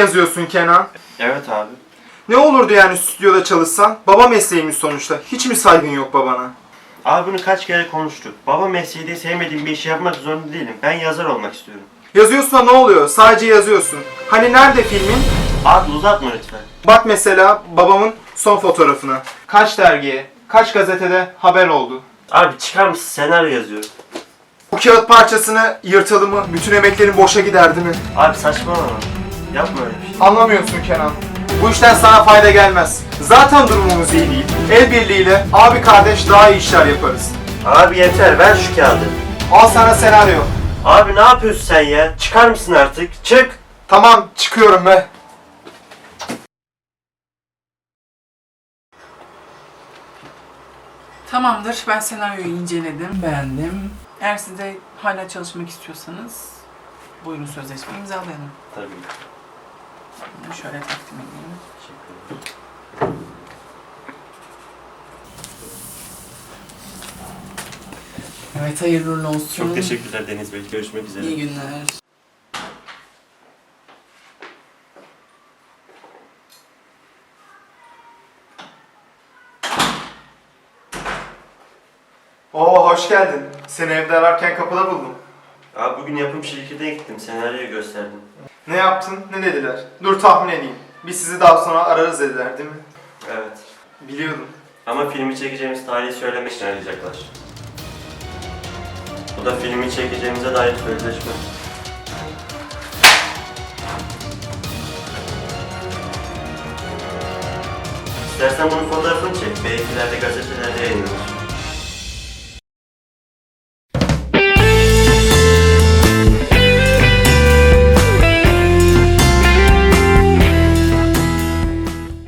yazıyorsun Kenan? Evet abi. Ne olurdu yani stüdyoda çalışsan? Baba mesleğimiz sonuçta. Hiç mi saygın yok babana? Abi bunu kaç kere konuştuk. Baba mesleği diye sevmediğim bir işi yapmak zorunda değilim. Ben yazar olmak istiyorum. Yazıyorsun da ne oluyor? Sadece yazıyorsun. Hani nerede filmin? Abi uzatma lütfen. Bak mesela babamın son fotoğrafına. Kaç dergiye, kaç gazetede haber oldu. Abi çıkar mısın? Senaryo yazıyorum. Bu kağıt parçasını yırtalım mı? Bütün emeklerin boşa gider değil mi? Abi saçmalama. Yapma öyle bir şey. Anlamıyorsun Kenan. Bu işten sana fayda gelmez. Zaten durumumuz iyi değil. El birliğiyle abi kardeş daha iyi işler yaparız. Abi yeter, ver şu kağıdı. Al sana senaryo. Abi ne yapıyorsun sen ya? Çıkar mısın artık? Çık! Tamam çıkıyorum be. Tamamdır. Ben senaryoyu inceledim, beğendim. Eğer siz de hala çalışmak istiyorsanız buyurun sözleşmeyi imzalayalım. Tabii. Bunu şöyle takdim edeyim. Evet, hayırlı uğurlu olsun. Çok teşekkürler Deniz Bey. Görüşmek üzere. İyi günler. Oo hoş geldin. Seni evde ararken kapıda buldum. Abi bugün yapım şirketine gittim. Senaryoyu gösterdim. Ne yaptın? Ne dediler? Dur tahmin edeyim. Biz sizi daha sonra ararız dediler değil mi? Evet. Biliyordum. Ama filmi çekeceğimiz tarihi söylemek için arayacaklar. Bu da filmi çekeceğimize dair sözleşme. İstersen bunun fotoğrafını çek. Belki ileride gazetelerde yayınlanır.